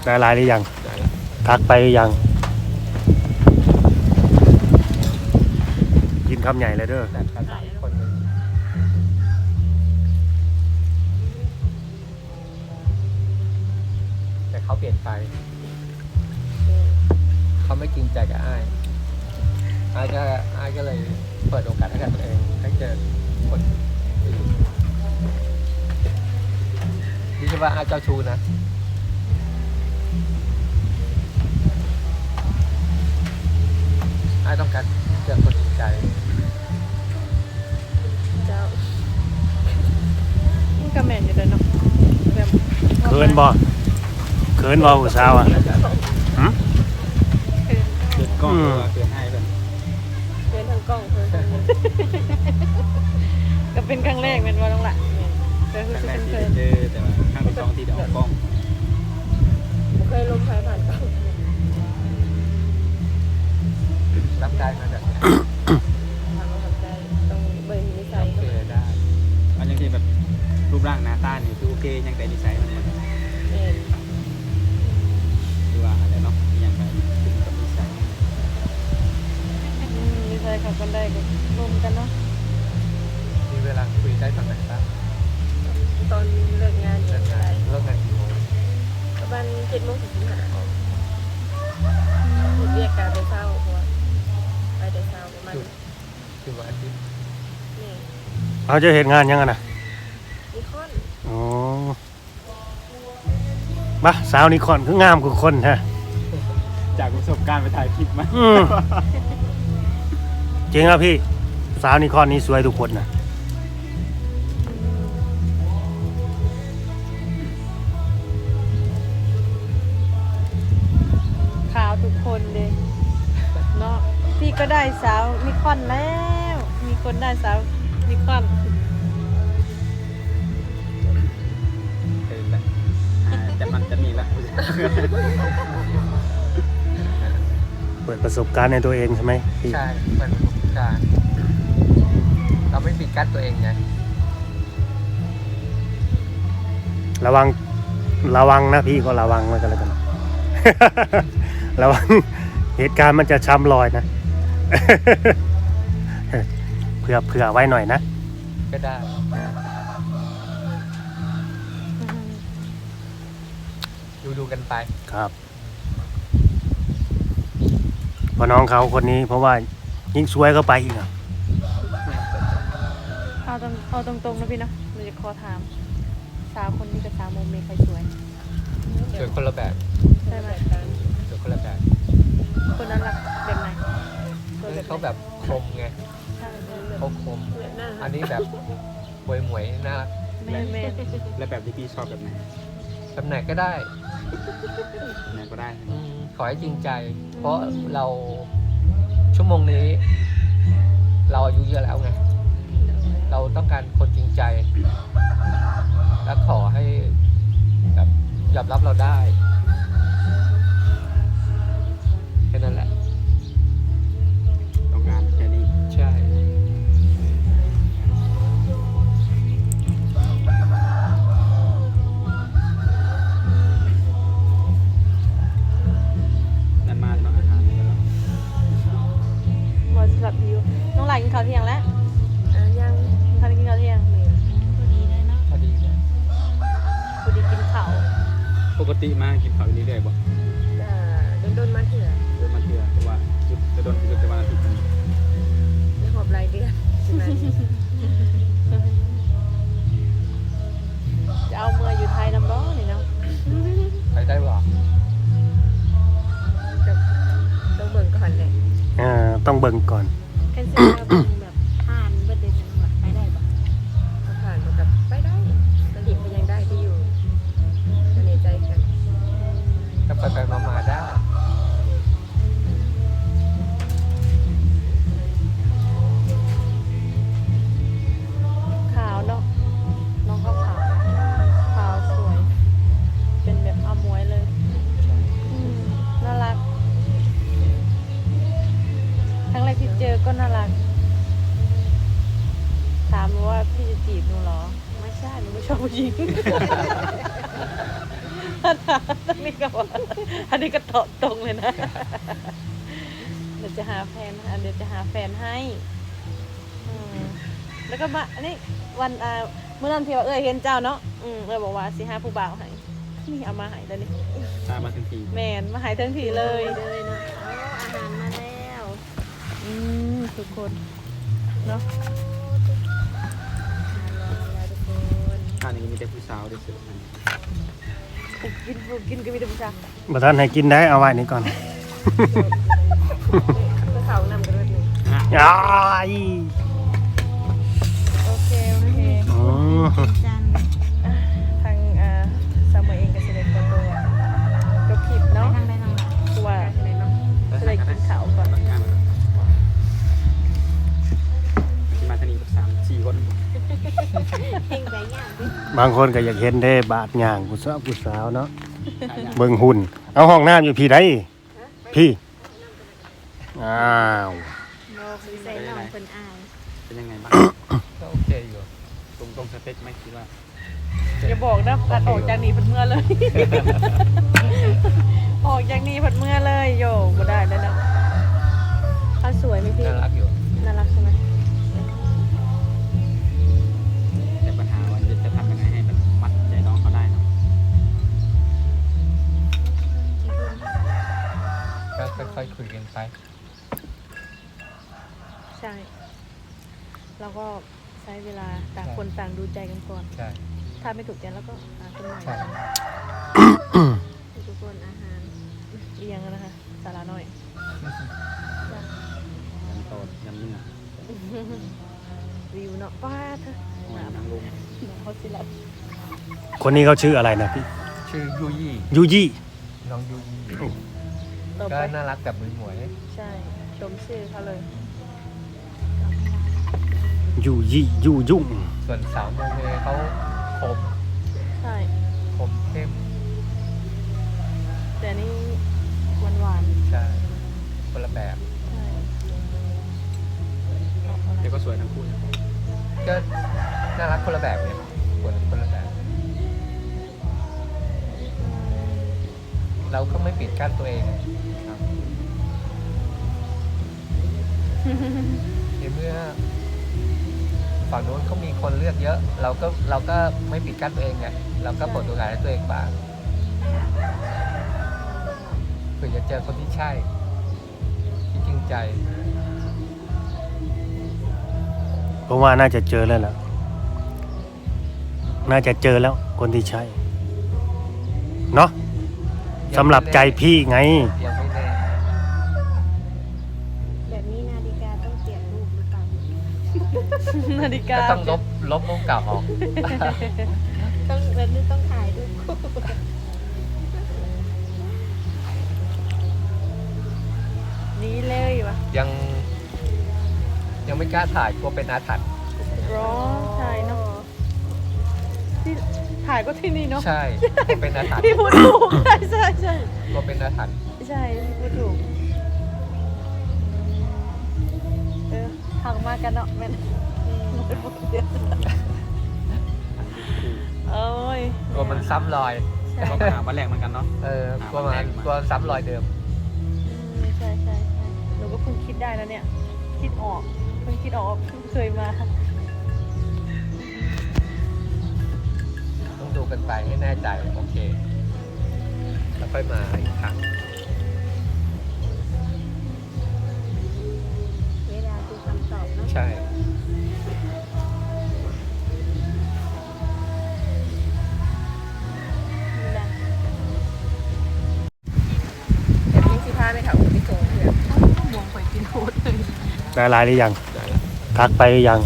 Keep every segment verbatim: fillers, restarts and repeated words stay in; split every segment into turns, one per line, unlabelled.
ได้ไลน์หรือยังทักไปหรือยังกินคำใหญ่เลยเด้อ
แต่เขาเปลี่ยนไปเขาไม่จริงใจกับอ้ายอ้ายก็อ้ายก็เลยเปิดโอกาสให้กับตัวเองให้เจอคนอื่นนี่ใช่ว่าอ้ายเจ้าชู้นะอ้ายต้องการเจอคนจริงใจ
เจ้ามันก็แม่นอยู่เลยเนาะแบบ
เขินบ่เขินบ่ผู้สาวอ่ะหืม
เกิดกล้องตัวเกิดให้เป็น
เดินทางกล้องเพิ่นก็เป็นครั้งแรกแม่นบ่น้องล่ะก็คือ
ครั้งแร
เป็
ก
น
ที่
เพิ่น
เจอแต่ว่าครั้งที่สองที่ได้ออกกล้อง
บ่เคยลงใครผ่านกล้อง
รับได้มาแบบนี้
ทางเข้าใจต้องเบิ่งนิสัย
โอ
ก็
เคได้
มันยังที่แบบรูปร่างหน้าตานี่คือโอเคยังแต่นิสัยมันมัน
แม่น
คือว่าอะไรเนาะยังไปถึงกับนิสัย
อืมนิสัยเข้ากันได้ก็รวมกันเนาะ
มีเวลาคุยได้ตอนไหนบ้าง
ตอนเลิกงาน
เลิ
เนี่ย
กงานเลิกงานกี่โมง
ประมาณเจ็ดโมงถึงสิบห้าหยุดเรียกการไปเช้าเพราะว่าไปแต่เช้าประมาณ
คือวันอาทิตย์
นี่
เขาจะเห็นงานยังไงนะ
นิคอน
อ๋อบ้าสาวนิคอนคืองามกว่าคนฮะ
จากประสบการณ์ไปถ่ายคลิปมา
อืมจริงครับพี่สาวนิคอนนี่สวยทุกคนนะ
ขาวทุกคนเลยเนาะพี่ก็ได้สาวนิคอนแล้ว มีคนได้สาวนิคอน
เออแบบอ่าจะมันจะมีละ
เปิดประสบการณ์ในตัวเองใช่ไหมพี่
ใช่เหมือนประสบการณ์เราไม่ปิดกั้นตัวเองไง
ระวังระวังนะพี่ก็ระวังไว้กันแล้วกัน ระวังเหตุการณ์มันจะช้ำรอยนะ เผื่อเผื่อไว้หน่อยนะ
ก็ได้ดูดูกันไป
ครับเพอน้องเขาคนนี้เพราะว่ายิ่งสวยก็ไปอีกอ่ะ
เอาตรงเอาตรงๆนะพี่เนาะเราจะขอถามสาวคนนี้กับสาวโมเมใครสวย
สวยคนละแบบ
ใช่ไหม
สวยคนละแบบ
คนนั้นรักแบบไหน
เขาแบบคมไง
ใช่
เขาคม อันนี้แบบหมวยหมวยๆน่ารัก
แม่แม่
และแบบที่พี่ชอบแบบไหน
แบบไหนก็ได้
แบบไหนก็ได้
อืมขอให้จริงใจ เพราะเราชั่วโมงนี้ เราอายุเยอะแล้วไง เราต้องการคนจริงใจ และขอให้แบบยอมรับเราได้แค่นั้นแหละ
ต้องการแค่นี้
ใช่
นั่นมาเนาะอาหารนี่ก็เนาะ
บอสลับอยู่น้องหลายกินข้าวเที่ยงแล้ว
อ่ะยัง
ท่านกินข้าวเที่ยง
พอดีเลยเนาะ
พอดีเลย
พอดีกินข้าว
ปกติมากินข้าวอยู่เรื่อยๆบ่
อ่าโดนๆมาเถื่อ
โดยมาเทื่อเพราะว่าจะโดนคือจะวันอาทิตย์นึง
ไม่หอบรายเดือนใช่ไหม
จะเอาเมื่ออยู่ไทยน้ำร้อนนี่เนาะ
ไปได้หรอ
กับต้องเบิ่งก่อนเลย
เอ่อต้องเบิ่งก่อน
กันเสร็จแล้วเบิ่งแบบผ่านเบิดเดย์จังหวัดไปได้ปะถ้าผ่านมันกับไปได้สลิปมันยังได้ที่อยู่จะในใจกัน
ก็ไปไปมามาได้
ขาวเนาะน้องเขาขาวขาวสวย เป็นแบบอมวยเลยอืมน่ารักครั้งแรกที่เจอก็น่ารัก ถามหนูว่าพี่จะจีบหนูเหรอ ไม่ใช่หนูไม่ชอบผู้หญิง ถ้าตรงนี้ก็ว่าอันนี้ก็ตอบตรงเลยนะเดี๋ยวจะหาแฟนอันเดี๋ยวจะหาแฟนให้อืมแล้วก็มาอันนี้วันอ่าเมื่อนั้นที่ว่าเอ้ยเห็นเจ้าเนาะอืมเอ้ยบอกว่าสิหาผู้บ่าวให้นี่เอามาให้แล้วนี่
ตามมาทันที
แมนมาให้ทั้งทีเลย
เลยเนาะเอาอาหารมาแล้ว
อืมทุกคนเนาะ
มาแล้วทุกคน
อันนี้มีแต่ผู้สาวได้ซื้อมัน
ปลูกกินปลูกกินก็มีแต่ผู้ชาย
บ่ทันให้กินได้เอาไว้นี่ก่อน
เพื่อเขานำกันเลยหนึ่ง
อ้าย
โอเคโอเค
อืม
จัน
ทางอ่าสามเองกับเสด็จตัวจบคลิปเนาะ
นั่งได้นั่งได้
เพราะว่า
ไหนเนาะ
เสด็จกินข้าวก่อน
บางงานที่มาทางนี้กับสามสี่คน
เพ่งใจย่างดิ
บางคนก็อยากเห็นเด้บาดย่างผู้สาวผู้สาวเนาะเบิ่งหุ่นเอาห้องน้ำอยู่พี่ได้พี่อ้าว
โนคือใส่น้องคนอาย
เป็นยังไงบ้าง
ก็โอเคอยู่
ตรงตรงสเปคไหมคิดว่า
อย่าบอกนะการออกจากนี้เพันเมื่อเลย ออกจากนี้เพันเมื่อเลยโยก็ได้แล้วนะเขาสวยไหมพี่
น่ารักอยู่
น่ารักใช่ไหม
แต่ปัญหาว่าจะทำยังไงให้แบบมัดใจน้องเขาได้เนาะ
ก็ค่อยๆคุยกันไป
ใช่เราก็ใช้เวลาต่างคนต่างดูใจกันก่อน
ใช่
ถ้าไม่ถูกใจแล้วก็หาคนใหม่
ใช่
ทุกคนอาหาร
เอียงนะคะสาระน้อย
ยันโตดยำนึ่ง
วิวเนาะป้าเธอ
โอ้ยนางลุง
น้องเขาสิลัด
คนนี้เขาชื่ออะไรนะพี่
ชื่อยูยี่
ยูยี่
น้องยูยี่
ต่อ
ก็
ไป
น่ารักแบบหมวย
ใช่ชมชื่อเขาเลย
ยูยี่ยูยุ่ง
ๆส่วนสาวโมเมเขาคม
ใช่
คมเข้ม
แต่นี่หวานหวาน
ใช่คนละแบบ
ๆใช่ออกอะไร
เดี๋ยวก็สวยทั้งคู่นะ
ก็น่ารักคนละแบบเนี่ยคนคนละแบบ เราก็ไม่ปิดกั้นตัวเองครับในเมื่อฝั่งโน้นเขามีคนเลือกเยอะ เราก็เราก็ไม่ปิดกั้นตัวเองไงเราก็เปิดโอกาสให้ตัวเองบ้างเผื่อจะเจอคนที่ใช่ที่จริงใจ
ผมว่าน่าจะเจอแล้วล่ะน่าจะเจอแล้วคนที่ใช่เนาะสำหรับใจพี่ไง
ยังไม่แน่
แบบนี้นาฬิกาต้องเปลี่ยนรูปหรือเปล่า
นาฬิกา
ก็ต้องลบลบรูปเก่าออก
ต้องแบบนี้ต้องถ่ายรูปคู่
นี้เลยวะ
ยัง ยังไม่กล้าถ่ายกลัวเป็นอาถรรพ์
ร้องใช่เนาะที่ถ่ายก็ที่นี่เนาะ
ใช่กลัวเป็นอาถรรพ์
พี่พูดถูกใช่ใช่ใช่
กลัวเป็นอาถรรพ์
ใช่พี่พูดถูกเออทางมากันเนาะแม่นไม่พูดเดียวโอ้ย
กลัวมันซ้ำรอย
ใช่
ก็มาหาวันแรกเหมือนกันเนาะ
เออกลัวมันกลัวซ้ำรอยเดิม
อืมใช่ใช่ใช่หนูก็เพิ่งคิดได้แล้วเนี่ย คิดออกเพิ่งคิดออกเพิ่งเคยมา
ต้องดูกันไปให้แน่ใจ โอเค แล้วค่อยมาอีกครั้ง
เวลาดูคำตอบเนาะ
ใช่
นี่แหละ
แบบนี้สิพาไปถ่ายรูปไปโชว์เพื่อน
มองไปกินโคตรเลย
ได้ไลน์หรือยังทักไปหรือยัง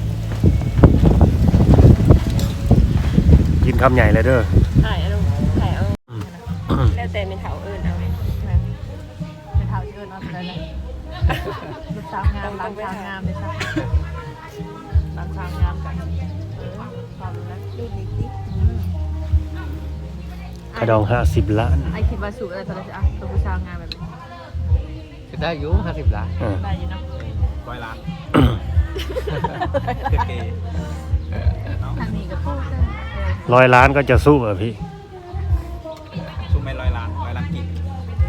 กินคำใหญ่เลยเด้อ
ถ่ายเอาถ่ายเอา
แล้วแต่เป็นเถาเอิญเอาไหม
เป็นเท้าเชิญเอาไปเลยนะลูกสาวงามร้านสาวงามเลยค่ะร้านสาวงามกันเออความรู้แล้ว
ดูดิสิ
อืม
กระดองห้าสิบล้าน
ไอคิดว่าสูตรอะไรตอนนี้อ่ะตัวผู้สาวงามแบบนี้
จะได้อยุ่ห้าสิบล้าน
เออ
ได้อยู่เนาะ
ร้อยล้านเก๋ๆเนาะ
ทางนี้ก็พูดเลย
ร้อยล้านก็จะสู้เหรอพี่
เ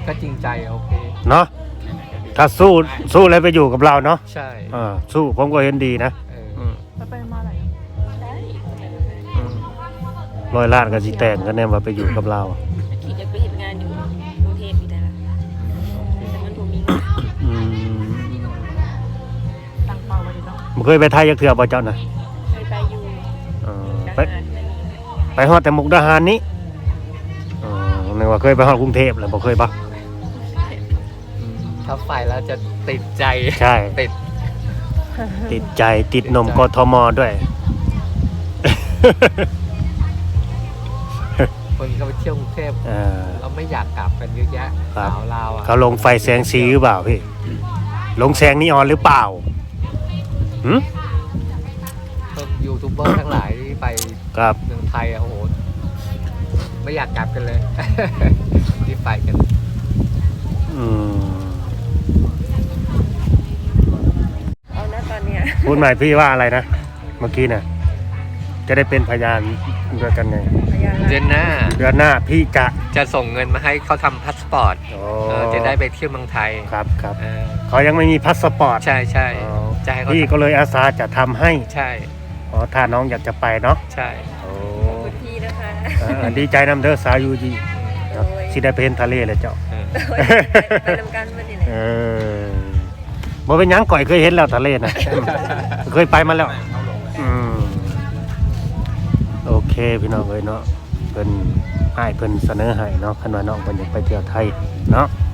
ก็จริงใจโอเค
เนาะถ้าสู้สู้แล้วไปอยู่กับเราเนาะ
ใช่
อ่าสู้ผมก็เห็นดีนะ
เออ
อืม
ไปไปมาไหน
ได้
อืมร้อยล้านก็สิแต่งกันแน่ว่าไปอยู่กับเรา
ขี่จะไปเห็นงานอยู่กรุงเทพอยู่แต่ละแต่มันถูกมีเงิน
อืม
ตั้งเป้าไว้ดีเนาะ
บ่เคยไปไทยจักเทื่อบ่เจ้าน่ะ
เคยไปอยู่
เออ
ท
ไป
หารนั่นนี่
ไปฮอดแต่มุกดาหารนี้อ๋อนึกว่าเคยไปฮอดกรุงเทพแล้วบ่เคยปะ
ถ้าไปแล้วจะติดใจ
ใช่
ติด
ติดใจติดนมกทมด้วย
คนก็ไปเที่ยวกรุงเทพ
เออ
เราไม่อยากกลับกันเยอะแยะ
ครับ
สาวลาวอ่ะ
เขาลงไฟแสงสีหรือเปล่าพี่ ลงแสงนีออนหรือเปล่าหืม
พวกยูทูบเบอร์ทั้งหลายที่ไป
ครับ
เมืองไทยอะโอ้โหไม่อยากกลับกันเลย ที่ไปกัน
อืม
เอานะตอนเนี้ย
พูดใหม่พี่ว่าอะไรนะ เมื่อกี้น่ะ จะได้เป็นพยานด้วยกันไง
พยาน
เดือนหน้า
เดือนหน้าพี่จะ
จะส่งเงินมาให้เขาทำพาสปอร์ต
โอ้
เออจะได้ไปเที่ยวเมืองไทย
ครับครับ
เออ
เขายังไม่มีพาสปอร์ต
ใช่ใช่
อ๋อ
จะให้เขา
พี่ก็เลยอาสาจะทำให้
ใช่
อ๋อถ้าน้องอยากจะไปเนาะ
ใช่
โอ้
ขอบคุณพี่นะคะ
เออดีใจนำเด้อสาวยูจี
โดย
สิได้ไปเห็นทะเลเลยเจ้า
เออ
โดยไปทำการวันนี้แหละ
เออบ่เป็นหยังก่อยเคยเห็นแล้วทะเลนะ เคยไปมาแล้ว อืมโอเคพี่น้องเอ้ยเนาะเพิ่นให้เพิ่นเสนอให้เนาะคันว่าน้องเพิ่นอยากไปเที่ยวไทยเนาะ